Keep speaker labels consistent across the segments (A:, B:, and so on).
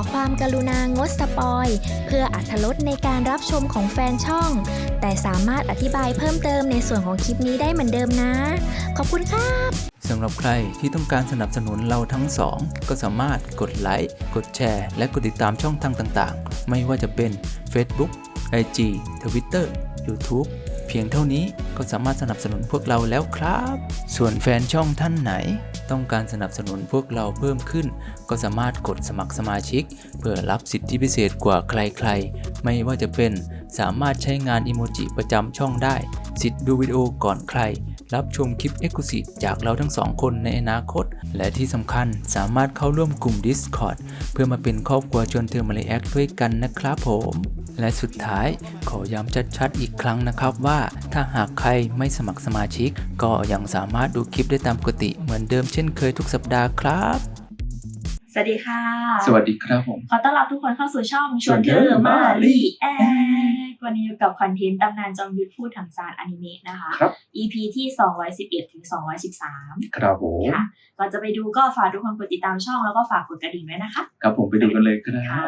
A: ความกรุณางดสปอยเพื่ออรรถรสในการรับชมของแฟนช่องแต่สามารถอธิบายเพิ่มเติมในส่วนของคลิปนี้ได้เหมือนเดิมนะขอบคุณครับ
B: สำหรับใครที่ต้องการสนับสนุนเราทั้งสองก็สามารถกดไลค์กดแชร์และกดติดตามช่องทางต่างๆไม่ว่าจะเป็น Facebook IG Twitter YouTube เพียงเท่านี้ก็สามารถสนับสนุนพวกเราแล้วครับส่วนแฟนช่องท่านไหนต้องการสนับสนุนพวกเราเพิ่มขึ้นก็สามารถกดสมัครสมาชิกเพื่อรับสิทธิพิเศษกว่าใครๆไม่ว่าจะเป็นสามารถใช้งานอิโมจิประจำช่องได้สิทธิ์ดูวิดีโอก่อนใครรับชมคลิป Exclusive จากเราทั้งสองคนในอนาคตและที่สำคัญสามารถเข้าร่วมกลุ่ม Discord เพื่อมาเป็นครอบครัวชวนเธอมาเลแอคด้วยกันนะครับผมและสุดท้ายขอย้ำชัดๆอีกครั้งนะครับว่าถ้าหากใครไม่สมัครสมาชิกก็ยังสามารถดูคลิปได้ตามปกติเหมือนเดิมเช่นเคยทุกสัปดาห์ครับ
C: สวัสดีค่ะ
B: สวัสดีครับผม
C: ขอต้อนรับทุกคนเข้าสู่ช่องชวนเธอมารีแอควันนี้อยู่กับคอนเทนต์ตำนานจอมยุทธพูดถังซานอนิเมะนะคะ
B: ครับ
C: EP ที่211ถึง213
B: ครับผม
C: ค่ะก่อนจะไปดูก็ฝากทุกคนกดติดตามช่องแล้วก็ฝากกดกระดิ่งด้วยนะคะ
B: ครับผมไปดูกันเลยครับ
C: ค่ะ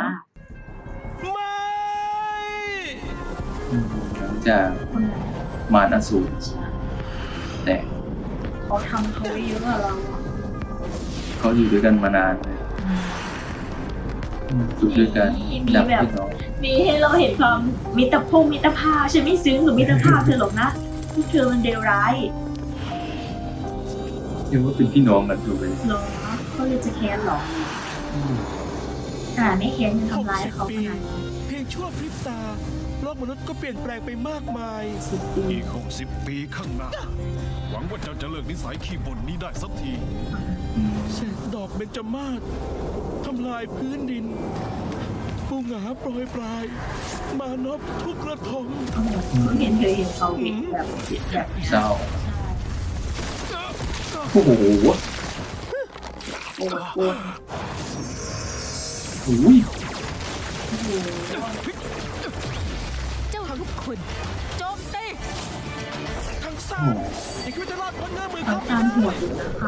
B: หลังจากมารอสูรแต่
C: เขาทำเขาไว้เยอะอะเรา
B: เขาอยู่ด้วยกันมานานเลยอยู่ด้วยกัน
C: มีแบบมีให้เราเห็นความมิตรภาพฉันไม่ซึ้งกับมิตรภาพเธอหรอกนะพวกเธอมันเลวร้าย
B: เรียกว่าเป็นพี่น้องกันถูกไหม
C: หรอเขาเลยจะแค้นหรอแต่ไม่แค้นยังทำร้ายเขาขนาดนี้
D: เพียงชั่วพริบตาโลกมนุษย์ก็เปลี่ยนแปลงไปมากมาย
E: อีก60 ปีข้างหน้าหวังว่าเจ้าจะเลิกนิสัยขี้บ่นนี้ได้สักที
D: เศษดอกเบญจมาศทำลายพื้นดินปูหงาโปรยปลายมานพทุกระทม
C: เขาเห็นเขาเห็นแบบ
B: เศร้าโอ้โห
C: โอ้โห
D: เจ้าทุกคนโจมตีทั้งซ่าอย่าคิดว่าจะรอดพ้นเงื้อมือเขา
C: ตามหัวอยู่นะคะ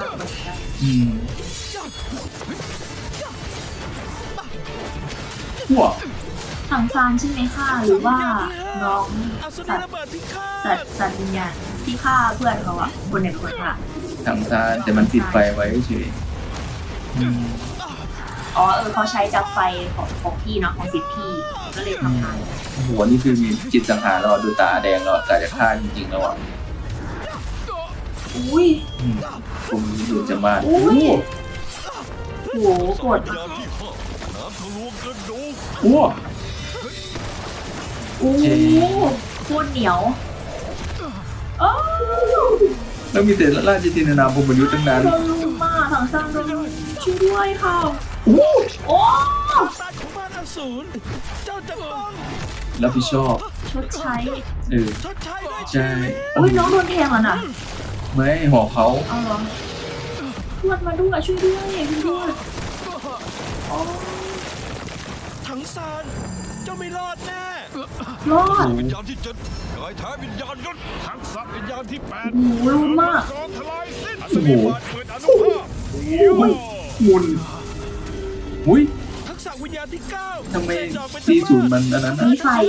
B: หัว
C: ถังซานใช่ไหมค่ะหรือว่าน้องสัตว์วิญญาณที่ฆ่าเพื่อนเขาอะคนไหนเป็นคนฆ่า
B: ถังซานแต่มันติดไฟไว้เฉย
C: เขาใช้จากไฟของพี่เนาะของสิทธิ์พี่ก็เลยทำงาน
B: หัวนี่คือมีจิตสังหารเราดูตาแดงเรากะจะฆ่าจริงๆแล้วอ่ะ
C: อุ้ย
B: ผมดูจะมา
C: อุ้ยโหกด
B: โอ้
C: โหโคตรเหนียว
B: แล้วมีแต่ราชจินนามพรหมยุทธ์ทั้งนั้น
C: โดนลุมมากถังซานโดนลุมช่วยด้วยค่ะโอ้
D: ตาของมารอสูรเจ้าจะต้อง
B: รับผิดชอบ
C: ชดใช้
D: ชดใช้ด้วย
B: ใช่
C: อุ้ยน้องโดนแทงอ่ะน่ะ
B: ไม่ห่อเขา
C: เอาเหรอทวดมาด้วยช่วยด้วยพี่ทวด
D: ถังซานเจ้าไม่รอดแน่
C: รอด
E: วิญญาณที่7กายแท้วิญญาณยศทักษะวิญญาณที่8
C: โอ้โหรุนมาก
E: ทลายสิ้นอัศวินบาดเกิดอนุภาพ
B: มุนอุ้ย
D: ทักษะวิญญาณที่9
B: ทำไมที่ศูนย์มันอันนั้น
C: มีไฟ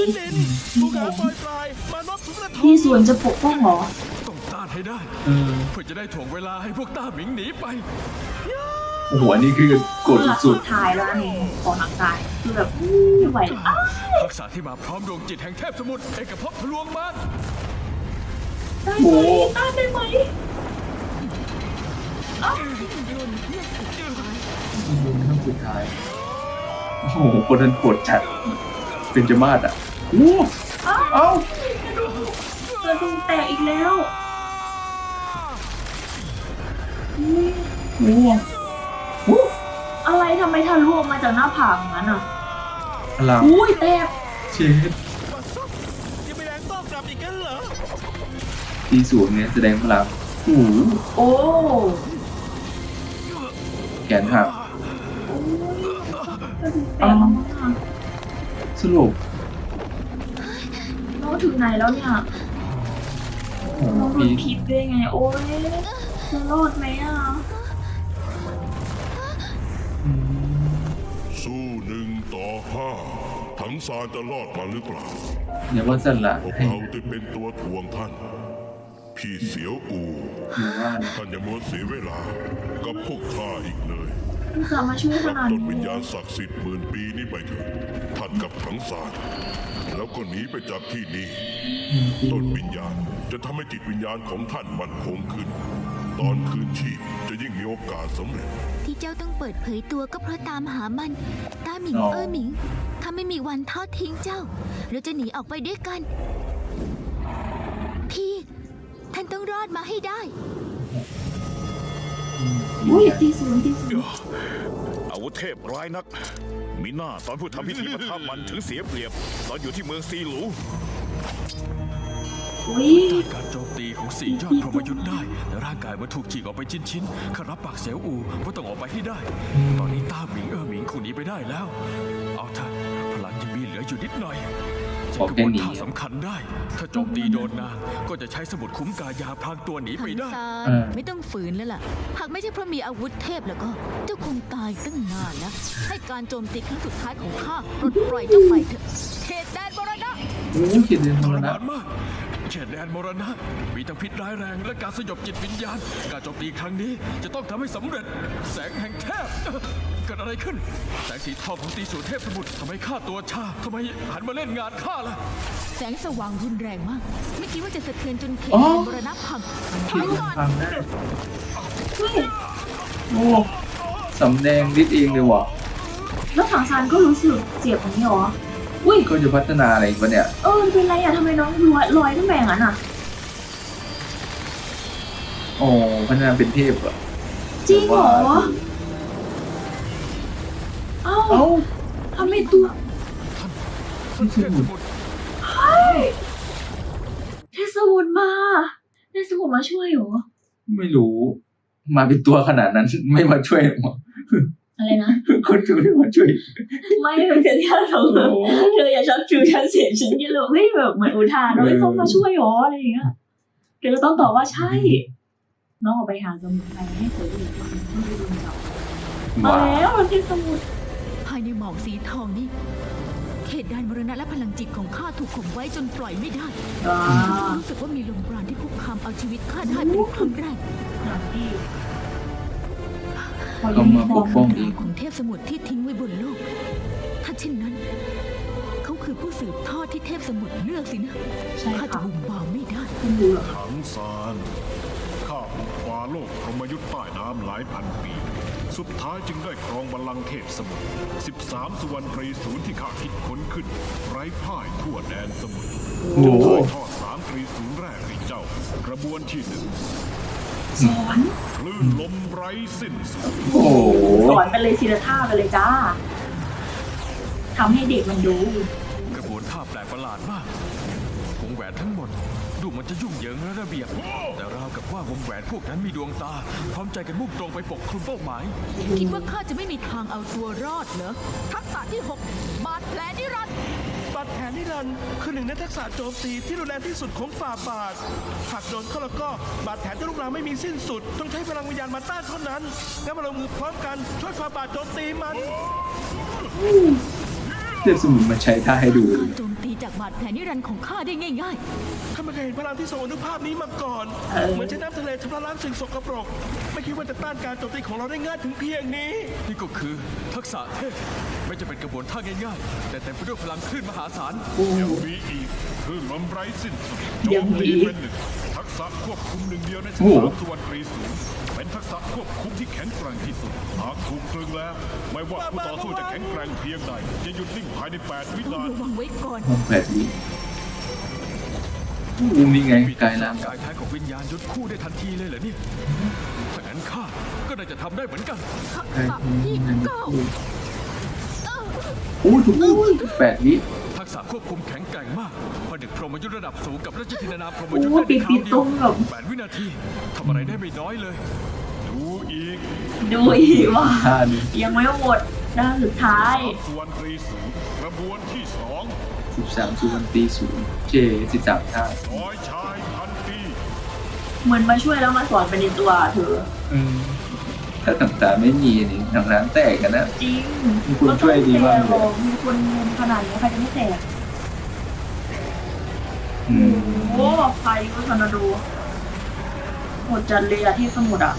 C: ที่ส่วนจะปกป้องหรอ
E: ต้องต้านให้ได้เพื่อจะได้ถ่วงเวลาให้พวกต้าหมิงหนีไป
B: โอ้โหนี่คือกดสุด
C: ท้ายแล้วนี่ของนักกายคือแบบไม่ไหว
E: ทักษะที่มาพร้อมดวงจิตแห่งเทพสมุทรเอกภพทะลวงมาร
C: ได้ไหมต้านได้ไหม
B: ขั้นสุดท้ายโอ้โหคนนั้นปวดจัดเป็นจมาศอ่ะโอ้เอ้
C: ากระดูกแตกอีกแล้ว
B: โอ้
C: อะไรทำไมทะลุออกมาจากหน้าผากงั้นอ่ะ
B: อะไร
C: อุ้ยแตก
B: เช็ด
D: ยังไม่แรงต้องกลับอีกกันเหรอ
B: ที่ศูนย์เนี่ยแสดงพลัง
C: โอ้
B: แขนหักสรุป
C: น้องถึงไหนแล้วเนี่ยน้องโดนพิษได้ไงโอ้ยจะรอดไหมอ่ะ
E: ส
F: สู้1-5ถังซานจะรอดมาหรือเปล่า
B: อย่าว่าสละ
F: พวก
B: ให้
F: เราจะเป็นตัวถ่วงท่าน พี่เสียวอู
B: อย่าว่านะ
F: ท่านอย่ามัวเสียเวลากับพวกข้าอีกเลย
C: คุณสามาช่วยขนาด
F: ต้น
C: นี้
F: วิญญาณศักดิ์สิทธิ์10,000 ปีนี้ไปเถิดท่านกับถังซานแล้วก็หนีไปจากที่นี่ต้นวิญญาณจะทำให้จิตวิญญาณของท่านมั่นคงขึ้น ตอนคืนชีพจะยิ่งมีโอกาสสำเร็จ
G: ที่เจ้าต้องเปิดเผยตัวก็เพราะตามหามันต้าหมิงหมิงข้าไม่มีวันทอดทิ้งเจ้า เราจะหนีออกไปด้วยกัน พี่ท่านต้องรอดมาให้ได้
C: อุ้ยตีศูนย์
E: อาวุธเทพร้ายนัก มีหน้าตอนผู้ทำพิธีประทับมันถึงเสียเปรียบ ตอนอยู่ที่เมืองซีหลู
C: อุ้ย
D: การโจมตีของสี่ยอดพรหมยุทธ์ได้แต่ร่างกายมันถูกฉีกออกไปชิ้นๆข้ารับปากเสียวอูว่าต้องออกไปให้ได้ ตอนนี้ต้าหมิงหมิงคงหนีไปได้แล้ว เอาเถอะพลังยังมีเหลืออยู่นิดหน่อยจะกระบวนท่าสำคัญได้ ถ้าโจมตีโดนนางก็จะใช้สมุดคุ้มกายาพรางตัวหนีไปได้
G: ซานไม่ต้องฝืนแล้วล่ะ หากไม่ใช่เพราะมีอาวุธเทพแล้วก็เจ้าคงตายตั้งนานแล้ว ให้การโจมตีครั้งสุดท้ายของข้าปลดปล่อยเจ้าไปเถอะเขตแดนมรณะ
B: โอ้คิดเรื่อง
D: ท
B: ม
D: ร
B: รณะ
D: มานมากเขตแดนมรณะมีทั้งพิษร้ายแรงและการสยบจิตวิญญาณ การโจมตีครั้งนี้จะต้องทำให้สำเร็จ แสงแห่งเทพเกิดอะไรขึ้น แสงสีทองของตีสูรเทพสมุทรทำไมข้าตัวชาทำไมหันมาเล่นงานข้าล่ะ
G: แสงสว่างรุนแรงมาก ไม่คิดว่าจะสะเทือนจนเขต
B: อ๋อ
G: แดนมรณะพังถอยก่อน
B: ฟังได้
C: เฮ้ย
B: โอ้สำแดงฤทธิ์เองเลยว่ะ
C: แล้วถังซานก็รู้สึกเจ็บอย่างนี้เหรออุ้ย
B: ก็จะพัฒนาอะไรอีกวะเนี่ย
C: เป็นไรอะทำไมน้องลอยขึ้นมาอย่างนั้นอะ
B: โอ้พัฒนาเป็นเทพเหรอ
C: จริงเหรอเอ้า
B: เอ้า
C: ทำไมตัว
D: ท่านเทพสมุทร
C: เทศวุฒิมาเทศวุฒิมาช่วยเหรอ
B: ไม่รู้ มาเป็นตัวขนาดนั้น ไม่มาช่วยหรอ
C: อะไรนะ
B: คนช่วยไม่มาช่วย
C: ไม่เป็นแค่ที่เราเธออย่าช็อตฟิวฉันเสียฉันอยังเลยเฮ้ยแบบเหมือนอุทานเฮ้ยเขามาช่วยเหรออะไรอย่างเงี้ยเธอก็ต้องตอบว่าใช่ น้องออกไปหาสมุนไพรให้เสืออีกคนต้องไปดูจับมา
B: ว้า
C: แล้วมันเป็นสมุน
G: ภายในหมอกสีทองนี่ เขตแดนมรณะและพลังจิตของข้าถูกข่มไว้จนปล่อยไม่ได้ รู้สึกว่ามีลมปราณที่คุกคามเอาชีวิตข้าได้เป็นครั้งแรก
C: อย่างที่
B: เขามาปกป้องเอง
G: ของเทพสมุทรที่ทิ้งไว้บนโลก ถ้าเช่นนั้น เขาคือผู้สืบทอดที่เทพสมุทรเลือกสินะ
C: ใช่
G: ข้าจะ
C: ค่ะ
G: บุ่มบามไม่ได้
C: คุณรู้เหรอ
E: ถังซานข้าบุกฟ้าโลกพรหมยุทธ์ใต้น้ำหลายพันปี สุดท้ายจึงได้ครองบัลลังก์เทพสมุทร13 สุวรรณตรีศูนย์ที่ข้าคิดค้นขึ้น ไร้พ่ายทั่วแดนสมุทร
B: โอ้
E: จะ
B: โห
E: ถ่ายทอด3 ตรีศูนย์แรกให้เจ้า กระบวนที่
C: สอน
E: 1 คลื่นลมไร้สิ้นสุด
B: โอ้โห
C: สอนไปเลยทีละท่าไปเลยจ้าทำให้เด็กมันดู
D: กระบวนท่าแปลกประหลาดมากวงแหวนทั้งหมด ดูมันจะยุ่งเหยิงและระเบียบ แต่ราวกับว่าวงแหวนพวกนั้นมีดวงตา พร้อมใจกันมุ่งตรงไปปกคลุมเป้าหมาย
G: คิดว่าข้าจะไม่มีทางเอาตัวรอดเหรอ ทักษะที่ 6 บาดแผลนิรันดร์
D: บาดแผลนิรันดร์คือหนึ่งในทักษะโจมตีที่รุนแรงที่สุดของฝ่าบาท หากโดนเข้าแล้วก็บาดแผลจะลุกลามไม่มีสิ้นสุด ต้องใช้พลังวิญญาณมาต้านเท่านั้นงั้นมาลงมือพร้อมกันช่วยฝ่าบาทโจมตีมัน
B: เทพสมุนมาใช้ท่าให้ดู
G: การโจมตีจากบาดแผลนิรันดร์ของข้าได้ง่าย
D: ข้าไม่เคยเห็นพลังที่ทรงอนุภาพนี้มาก่อน เหมือนใช้น้ำทะเลชำระล้างสิ่งสกปรก ไม่คิดว่าจะต้านการโจมตีของเราได้ง่ายถึงเพียงนี้ นี่ก็คือทักษะเทพ ไม่จะเป็นกระบวนท่าง่ายๆ แต่เต็มไปด้วยพลังคลื่นมหาศาล
E: ยังมีอีกคลื่นลมไร้สิ้นสุดโจมตีเป็นหนึ่งทักษะควบคุมหนึ่งเดียวใน13 สุวรรณตรีศูนย์เป็นทักษะควบคุมที่แข็งแกร่งที่สุด หากถูกตรึงแล้ว ไม่ว่าผู้ต่อสู้จะแข็งแกร่งเพียงใดจะหยุดนิ่งภายใน 8 วิ
G: ๆ ต้อง
E: นาที
G: ระวังไว้ก่อน
B: ห้องแบบนี้อู้นี่ไง
D: มี
B: กายร่าง
D: กายแท้ของวิญญาณยุดคู่ได้ทันทีเลยเหรอเนี่ย ถ้างั้นข้าก็น่าจะทำได้เหมือนกัน
G: ทัก
B: กาย
G: ษะที่ 9
B: โอ้ถูก8 วิ
D: ทักษะควบคุมแข็งแกร่งมากผนึกพรหมยุทธ์ระดับสูงกับราชธินานาพรหมยุทธ์
C: โอ้
D: ได้ในค
C: ปิ
D: ราว
C: ด
D: เดี
C: ต
D: ย
C: ร
D: ว
C: งแบบ
D: 8 วินาทีทำอะไรได้ไม่น้อยเลย
E: ดูอีก
C: ดูอีกว่า
B: ท่านี้
C: ยังไม่หมดด้านสุดท้าย
E: 3 สุวรรณตรีศูนย์กระบวนที่
B: 13 สุวรรณปี0 J 13 ท่า
E: 2 ร้อยชายพันปี
C: เหมือนมาช่วยแล้วมาสอนไปในตัวเธอ
B: อืมทถ้าถังสารไม่มีนี่ถังสารแตกกันนะ
C: จริง
B: มีคนช่วยดีมากเลย
C: นต้องแตมีคนเงินขนาดนี้ใครจะไม่แตก
B: อืม
C: โอ้ไฟก็ทอร์นาโดหมดจัดเลยอะเทพสมุทรอะ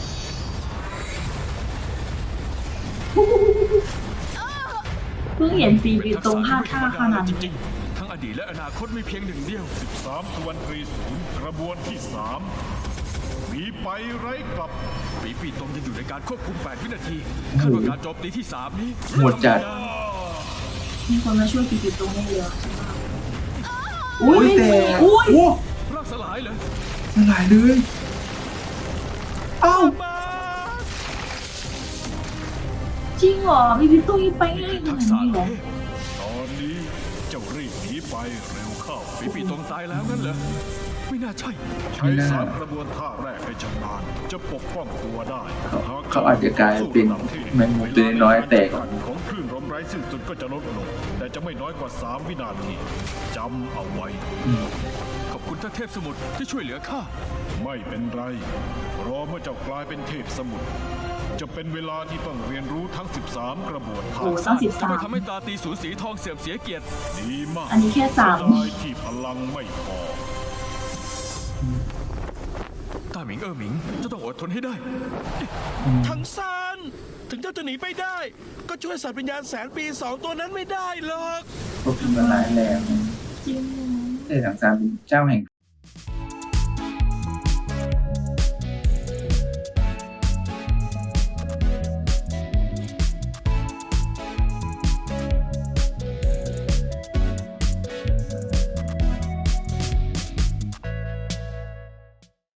C: เพิ่งเห็นปีบีตรงพลาดท่าขนาด
D: จ
C: นี้
D: ริงๆ ทั้งอดีตและอนาคตมีเพียงหนึ่งเดียว
E: 13สุวรรณตรีศูนย์กระบวนที่ 3 มีไปไร้กลับ
D: ปีปีตรงยังอยู่ในการควบคุม 8 วินาทีคาดว่าการโจมตีที่ 3 นี้
B: หมดจัด
C: มีคนมาช่วยปีบีตรงได้เยอะใช่ไหม
B: โอ้ยแต่
C: อุ้ย
B: โอ้
D: ร่างสลายเลย
B: หลายเลยเอ้า
C: จริงเหรอปีบีตรงยังไปง่ายข
D: ทั
C: นาก ด
D: ษะ
C: นี้เหรอ
D: เทพ
E: ตอนนี้เจ้ารีบหนีไปเร็วเข้า
D: ปีปีตรงตายแล้วงั้นเหรอ ไม่น่าใช่
E: ใช้สามกระบวนท่าแรกให้ชำนาญจะปกป้องตัวได้
B: เขาอาจจะกลายเป็นแมงมุมตัวน้อยๆแตก
E: ของคลื่นลมไร้สิ้นสุดก็จะลดลง แต่จะไม่น้อยกว่า 3 วินาทีจำเอาไว้
D: ขอบคุณท่านเทพสมุทรที่ช่วยเหลือข้า
E: ไม่เป็นไร รอเมื่อเจ้ากลายเป็นเทพสมุทรจะเป็นเวลาที่ต้องเรียนรู้ทั้ง 13 กระบวนท่า
C: โอ้ตั้ง13
D: ไม่ทำให้ตาตีสูญสีทองเสื่อมเสียเกียรติ
E: ดีมาก
C: อันนี้แค่3
E: เสียดายที่พลังไม่พอ
D: ต้าหมิงหมิงจะต้องอดทนให้ได้
H: ทั้งซานถึงเจ้าจะหนีไปได้ ก็ช่วยสัตว์วิญญาณ100,000 ปี 2 ตัวนั้นไม่ได้หรอก
B: พวกที่มันร้ายแรง
C: จริง
B: แต่ถังสารเป็นเจ้าแห่ง